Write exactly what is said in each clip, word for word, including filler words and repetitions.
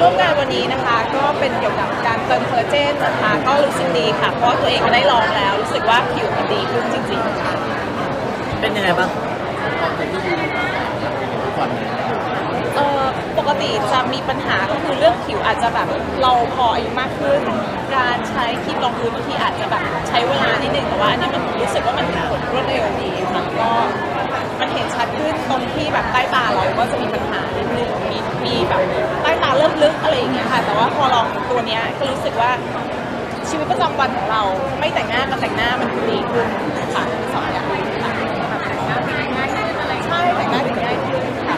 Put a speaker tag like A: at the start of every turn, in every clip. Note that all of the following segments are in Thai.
A: ร่วมงานวันนี้นะคะก็เป็นเกี่ยวกับการเติมคอลลาเจนนะคะก็รู้สึกดีค่ะเพราะว่าตัวเองก็ได้ลองแล้วรู้สึกว่าผิวมันดีขึ้นจริงๆค่ะ
B: เป็นยังไงบ้าง
A: เอ่อปกติจะมีปัญหาก็คือเรื่องผิวอาจจะแบบเราพออายุมากขึ้นการใช้ครีมรองพื้นบางทีอาจจะแบบใช้เวลานิดนึงแต่ว่าอันนี้มันรู้สึกว่ามันผลรวดเร็วดีค่ะก็มันเห็นชัดขึ้นตรงที่แบบใต้ตาเราก็จะมีปัญหานิดนึงมีมีแบบใต้ตาเริ่มลึกอะไรอย่างเงี้ยค่ะแต่ว่าพอลองตัวเนี้ยก็รู้สึกว่าชีวิตประจำวันของเราไม่แต่งหน้ากับแต่งหน้ามันดีขึ้นค่ะสองอย่างค่ะแต่งหน้าแต่งง่ายขึ้นอะไรใช่แต่งหน้าแต่งง่ายขึ้นค่ะ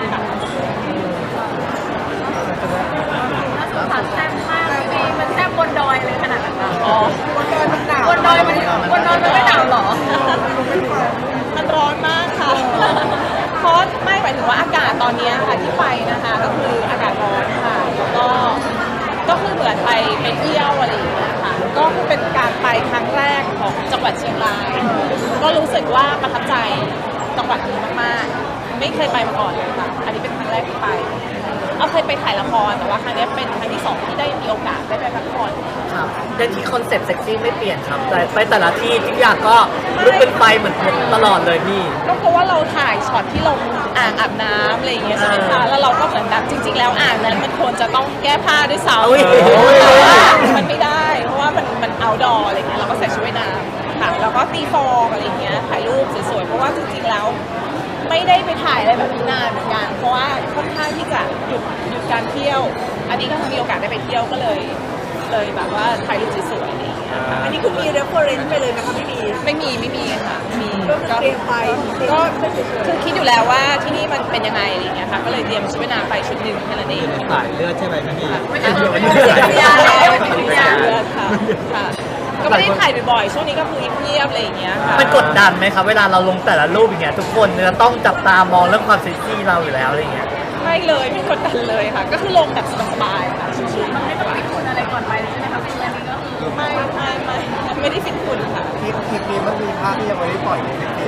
C: ค่ะแซ่บมากเลยมันแซ่บบนดอยเลยขนาดนั้น
A: อ๋อบนดอยมันหนาว
C: บนดอยมันบนดอยมันไม่หนาวหรอ
A: มันร้อนมากค่ะเพราะไม่หมายถึงว่าอากาศตอนนี้ค่ะที่ไปนะคะก็คืออากาศร้อนค่ะแล้วก็ก็คือเหมือนไปไปเที่ยวอะไรอย่างเงี้ยค่ะก็คือเป็นการไปครั้งแรกของจังหวัดเชียงรายก็รู้สึกว่าประทับใจจังหวัดนี้มากๆไม่เคยไปมาก่อนเลยค่ะอันนี้เป็นครั้งแรกที่ไปเอาเคยไปถ่ายละครแต่ว่าครั้งนี้เป็นครั้งที่สองที่ได้มีโอกาสได้ไปพักผ่อน
B: ครับแต่ที่คอนเซ็ปต์เซ็กซี่ไม่เปลี่ยนครับแต่ไปแต่ละที่ทุกอย่างก็ลุกเป็นไฟเหมือนตลอดเลยพี่
A: ก็เพราะว่าเราถ่ายช็อตที่ลงอ่างอาบน้ำอะไรอย่างเงี้ยใช่ไหมคะแล้วเราก็เหมือนแบบจริงๆแล้วอ่างนั้นมันควรจะต้องแก้ผ้าด้วยซ้ำแต่ว่ามันไม่ได้เพราะว่ามันมันเอาดออะไรเงี้ยเราก็ใส่ชุดว่ายน้ำค่ะแล้วก็ตีฟองอะไรเงี้ยถ่ายรูปสวยๆเพราะว่าจริงๆแล้วไม่ได้ไปถ่ายอะไรแบบนี้นานเหมือนกันเพราะว่าค่อนข้างที่จะหยุดหยุดการเที่ยวอันนี้ก็มีโอกาสได้ไปเที่ยวก็เลยเลยแบบว่าถ่ายรูปสวยๆอะไรอย่างเงี้ย
C: อันนี้คือมี reference ไปเลยนะคะไม่มี
A: ไม่มีไม่มีค่ะมี
C: ก็เตรียมไป
A: ก็คือคิดอยู่แล้วว่าที่นี่มันเป็นยังไงอะไรอย่างเงี้ยค่ะก็เลยเตรียมชุดว่ายน้ำไปชุดหนึ่งแค่นั้นเอง
D: ถ่ายเลือดใช่ไหมพี่
A: ไม่ใช่ไม่ใช่ไม่ใช่เลือดค่ะค่ะก็ไม่ได้ถ่ายบ่อยๆช่วงนี้ก็คือเงียบๆอะไรอย่างเงี้ยค่ะ
B: มันกดดันไหมครับเวลาเราลงแต่ละรูปอย่างเงี้ยทุกคนจะต้องจับตามองเรื่องความเซ็กซี่เราอยู่แล้วอะไรเงี้ย
A: ไม่เลยไม่กดดันเลยค่ะก็คือลงแบบสบายๆค่ะชิวๆ
C: มันไม่ต้องฟิตคุณอะไรก่อนไปเลยใช่ไหมคะเป็นอันนี้ก็คือ
A: ไม่ไม่ไม่ไม่ได้ฟิตคุณค่ะ
D: คลิปคลิปนี้มันมีภาพที่ยังไม่ได้ปล่อยในเซ็กซี่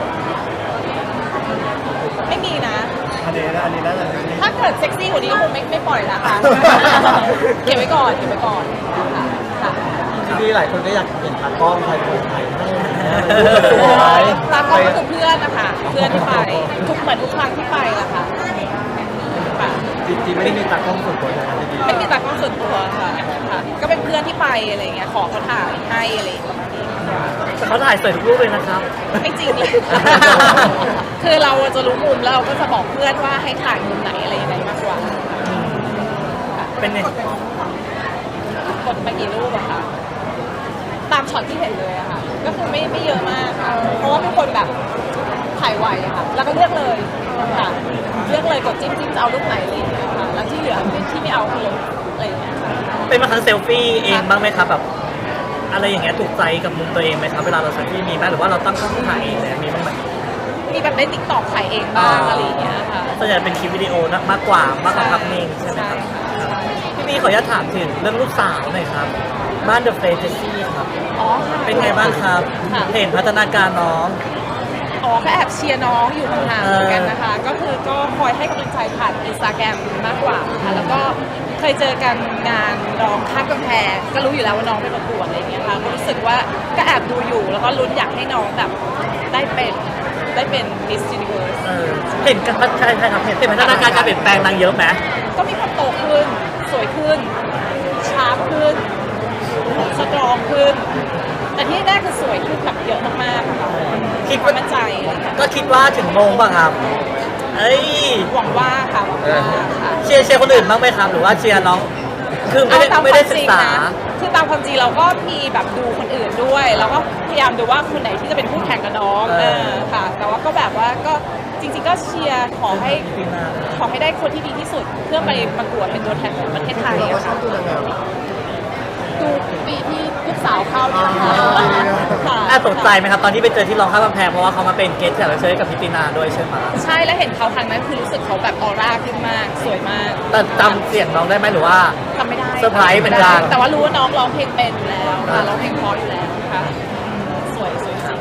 A: ไม่มีนะ
D: อันนี้อันนี้น่าจะ
A: ถ้าเกิดเซ็กซี่กว่านี้ก็คงไม่ไม่ปล่อยละค่ะเก็บไว้ก่อนเก็บไว้ก่อนค่ะค่ะ
D: ที่หลายคนก็อยากเห็นตากล้องถ่ายคนถ่ายให้
A: ตากล้องก็คือเพื่อนนะคะเพื่อนที่ไปทุกเหมือนทุกครั้งที่ไปละค่ะ
D: จริงๆไม่ได้มีตากล้องส่วนตัวนะพี่
A: ไม่มีตากล้องส่วนตัวค่ะค่ะก็เป็นเพื่อนที่ไปอะไรเงี้ยขอเขาถ่ายให้อะไรประมาณนี้
B: แต่เขาถ่ายสวยทุกรูปเลยนะครับ
A: ไม่จริงเลยคือเราจะรู้มุมแล้วเราก็จะบอกเพื่อนว่าให้ถ่ายมุมไหนอะไรยังไงมากกว่า
B: เป็นไง
A: กดไปกี่รูปอะคะตามช็อตที่เห็นเลยอะค่ะก็คือไม่ไม่เยอะมากค่ะเพราะว่าทุกคนแบบถ่ายไวอะค่ะแล้วก็เลือกเลยค่ะเลือกเลยกดจิ้มจิ้มจะเอารูปไหนอะไรอย่างเงี้ยค่ะแล้วที่เหลือที่ไม่เอาคือลบอะไรอย่างเงี้ยค่ะ
B: เป็นมาครั้งเซลฟี่เองบ้างไหมครับแบบอะไรอย่างเงี้ยถูกใจกับมุมตัวเองไหมครับเวลาเราเซลฟี่มีไหมหรือว่าเราตั้งกล้องถ่ายเองเลยมีบ้างไหม
A: มีแบบได้ติ๊กต็อกถ่ายเองบ้างอะไรอย่างเงี้ยค่ะ
B: ส่วนใหญ่เป็นคลิปวิดีโอนะมากกว่ามากกว่าภาพนิ่งใช่ไหมครับพี่มีขออนุญาตถามถึงเรื่องลูกสาวหน่อยครับบ้านเดอะเฟรเจซี่ครับ
A: อ๋อ
B: เป็นไงบ้างครับเห็นพัฒนาการน้อง
A: อ๋อก็แอบเชียร์น้องอยู่ห่างๆเหมือนกันนะคะก็คือก็คอยให้กำลังใจผ่านอินสตาแกรมมากกว่าค่ะแล้วก็เคยเจอกันงานร้องข้ามกำแพงก็รู้อยู่แล้วว่าน้องไปประกวดอะไรอย่างเงี้ยค่ะก็รู้สึกว่าก็แอบดูอยู่แล้วก็ลุ้นอยากให้น้องแบบได้เป็นได้เป็น Miss Universe
B: เห็นกันใช่ใช่ครับเห็นพัฒนาการการเปลี่ยนแปลงนางเยอะไหม
A: ก็มีความโตขึ้นสวยขึ้นชาร์ปขึ้นสตรองขึ้นแต่ที่แรกคือสวยขึ้นแบบเยอะมากๆค่ะ
B: คิดว่า
A: มั่นใจ
B: ก็คิดว่าถึงโมงป่ะครับเอ้ย
A: หวังว่าค่ะหวังว่าค่ะ
B: เชียร์เชียร์คนอื่นบ้างไหมครับหรือว่าเชียร์น้องคือไม่ได้ไม่ได้ศึกษา
A: คือตามความจริงเราก็มีแบบดูคนอื่นด้วยแล้วก็พยายามดูว่าคนไหนที่จะเป็นคู่แข่งกับน้องเออค่ะแต่ว่าก็แบบว่าก็จริงๆก็เชียร์ขอให้ขอให้ได้คนที่ดีที่สุดเพื่อไปประกวดเป็นตัวแทนของประเทศไทยอะค่ะดูปีที่ลูกสาวเข้าเนี่ยนะคะ
B: น่าตกใจไหมครับตอนที่ไปเจอที่ร้องข้ามกำแพงเพราะว่าเขามาเป็นเกสต์แขกรับเชิญกับพิตินาด้วยใช่ไหม
A: ใช่แล้วเห็นเขาครั้งนั้นคือรู้สึกเขาแบบออร่าขึ้นมากสวยมาก
B: แต่จำเสียงน้องได้ไหมหรือว่า
A: จำไม่ได้
B: เซอร์ไพรส์เหมือนกัน
A: แต่ว่ารู้ว่าน้องร้องเพลงเป็นอยู่แล้วร้องเพลงเพราะอยู่แล้วค่ะสวยสวยจริง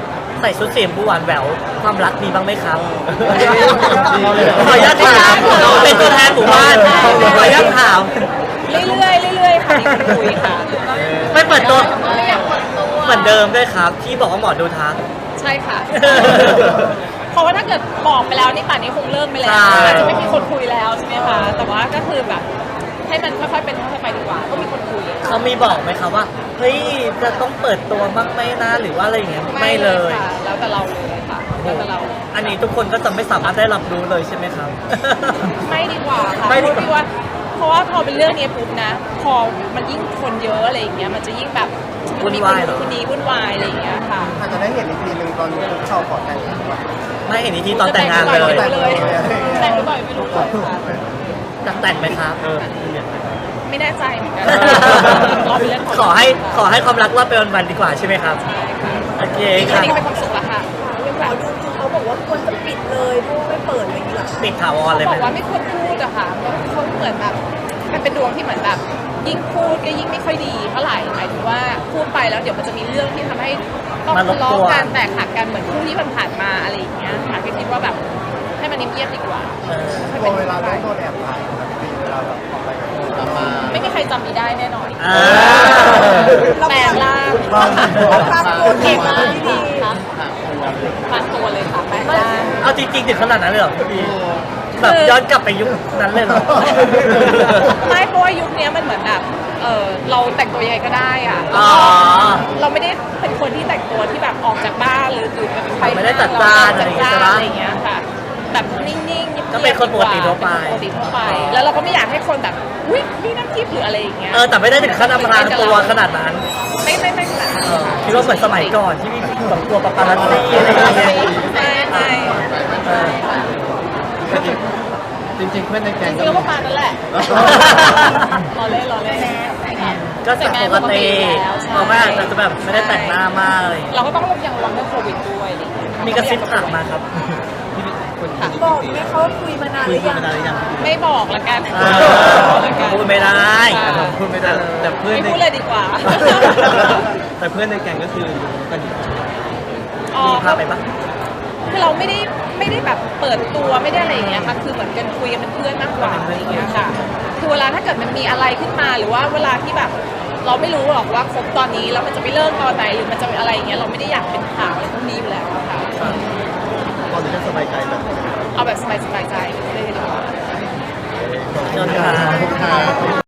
B: ใส่ชุดสีชมพูหวานแหววความรักมีบ้างไหมครับ ขออนุญาตถามเป็นตัวแทนหมู่บ้านขออนุญาตถาม
A: เรื่อยๆเรื่อยๆค่ะมีคนคุยค่ะ
B: ไม่เปิดตัว
C: ไม่อยากเปิดตัว
B: เหมือนเดิมด้วยครับ ที่บอกว่าหมอดูทัก
A: ใช่ค่ะ เพราะว่าถ้าเกิดบอกไปแล้วนี่ป่านนี้คงเลิกไปแล้ว
B: ใช่
A: อาจจะไม่มีคนคุยแล้วใช่ไหมคะแต่ว่าก็คือแบบให้มันค่อยๆเป็นค่อยๆไปดีกว่าก็มีคนคุย
B: เขามีบอกไหมครับว่าเฮ้ยจะต้องเปิดตัวบ้างไหมนะหรือว่าอะไรอย่างเงี้ยไม่เลย
A: ค่ะแล้วแต่เราเลยค่ะแล้วแต่เรา
B: อันนี้ทุกคนก็จะไม่สามารถได้รับรู้เลยใช่ไหมครับ
A: ไม่ดีกว่าค่ะ
B: ไม่ดีกว่า
A: เพราะว่าเพราะว่าพอเป็นเรื่องนี้ปุ๊บนะ พอมันยิ่งคนเยอะอะไรอย่างเงี้ยมันจะยิ่งแบบมีคนนู้นคนนี้วุ่นวายอะไรอย่างเงี้ยค่ะ
E: อาจจะได้เห็นอีกทีหนึ่งตอนคุกเข่าขอแต่งงานก่อน
B: ไม่เห็นอีกทีตอนแต่งงาน
A: จะ
B: เลย
A: แต่งหรือเปล่าไม่รู้เลยแต่งหรือเปล่าไม่รู้เลยค่ะ
B: จะแต่งไหมครับ
A: ไม่แน่ใจเหมือนกันรอเป็นเรื่องของ
B: ขอให้ขอให้ความรักรอดไปวันๆดีกว่าใช่ไหมครับ
A: ใช่ค่ะ
B: โอเค
A: นี่
B: ค
A: แค่
B: รับ
A: นี้ก็เป็นความสุขแล้วค่ะ
C: หมอดูคือเขาบอกว่าควรจะปิดเลยเพราะว่าไม่เปิดอะไรอย่างเงี้ยหรอ
B: ปิดถาวรเลย
A: บ
B: ไหม
A: อกว่าไม่ควรพูดอะค่ะเขาเหมือนแบบมันเป็นดวงที่เหมือนแบบ ยิ่งพูดก็ยิ่งไม่ค่อยดีเท่าไหร่หมายถึงว่าพูดไปแล้วเดี๋ยวมันจะมีเรื่องที่ทำให้ต้องทะเลาะกันแตกหักกันเหมือนคู่ที่ผ่านๆมาอะไรอย่างเงี้ยค่ะก็คิดว่าแบบให้มันเงียบๆดีกว่า
B: เออ
E: กลัวเวลาต้องโดนแอบถ่ายครับพี่เวลาแบบออกไปกับคนตามมา
A: ไม่มีใครจำดีได้แน่นอน
B: อ่า
A: แปลงร่าง
E: บางบาง
A: ตัวเก่งมากพี่ครับปานตัวเลยค่ะแปลงร่าง
B: เอาจริงๆถึงขนาดนั้นเลยเหรอพี่แบบย้อนกลับไปยุคนั้นเลยเหรอ
A: ไม่เพราะว่ายุคนี้มันเหมือนแบบเออเราแต่งตัวยังไงก็ได้อะ
B: อ๋อ
A: เราไม่ได้เป็นคนที่แต่งตัวที่แบบออกจากบ้านหรือหรือเป็นใคร
B: ไม่ได้จัดจ้านอะไร
A: จั
B: อ
A: ด
B: ย่างเงี้ย
A: จ้า
B: ใช่ปะ
A: นอะไรอย่างเงี้ยค่ะ แบบนิ่งๆเงียบๆ
B: ก็เป็นคนปกติทั่วไป
A: เป็นคนปกติทั่วไป แล้วเราก็ไม่อยากให้คนแบบอุ้ยนี่น้ำทิพย์หรืออะไรอย่างเงี้ย
B: เออแต่ไม่ได้ถึงขั้นอำพรางตัวขนาดนั้น
A: ไม่ไม่ไม่ขนาดนั้น
B: เออ
A: ค่ะ
B: คิดว่าเหมือนสมัยก่อนที่มีแบบตัวปาปารัสซี่อะไรอย่างเงี้ย
A: ไม่ไม่ไม่ค่ะ
D: จริงๆเพื่อนในแก๊
A: จ
D: ง
A: ริงๆก็ประมาณนั้นแหละรอเล่นรอเล่น
B: ก็แต่ปกติเพราะว่าอาจจะแบบไม่ได้แต่งหน้ามากอะไรอย่างเงี้ย
A: เราก็ต้องยังระวังเรื่องโควิดด้วยอะไรอย่างเงี้ย
B: มีกระซิบถามมาครับ
A: ค่ะ
C: บอกไหมเขาว่าคุยมานานหรือยัง
A: ไม่บอกละกัน
B: อ่า
A: ละกัน
B: พูดไม่ได้
A: ค่ะ
D: พูดไม่ได้แต่เพื่อน
A: ไม่
D: ใน
A: พูดเลยดีกว่า
D: แต่เพื่อนในแก๊งก็คือรู้กันอยู่
A: อ๋อ
B: มีภาพไปปะ
A: คือเราไม่ได้ไม่ได้แบบเปิดตัวไม่ได้อะไรอย่างเงี้ยค่ะคือเหมือนกันคุยกันเป็นเพื่อนมากกว่าอะไรอย่างเงี้ยค่ะคือเวลาถ้าเกิดมันมีอะไรขึ้นมาหรือว่าเวลาที่แบบ เราไม่รู้หรอกว่าคบตอนนี้แล้วมันจะไม่เลิกตอนไหนหรือมันจะอะไรอย่างเงี้ยเราไม่ได้อยากเป็นข่าวอะไรพวกนี้อยู่แล้วอะค่ะ
E: ตอนนี้ก็สบายใจแบบ
A: เอาแบบสบายๆใจเลยดีกว่า
B: เชิญค่ะ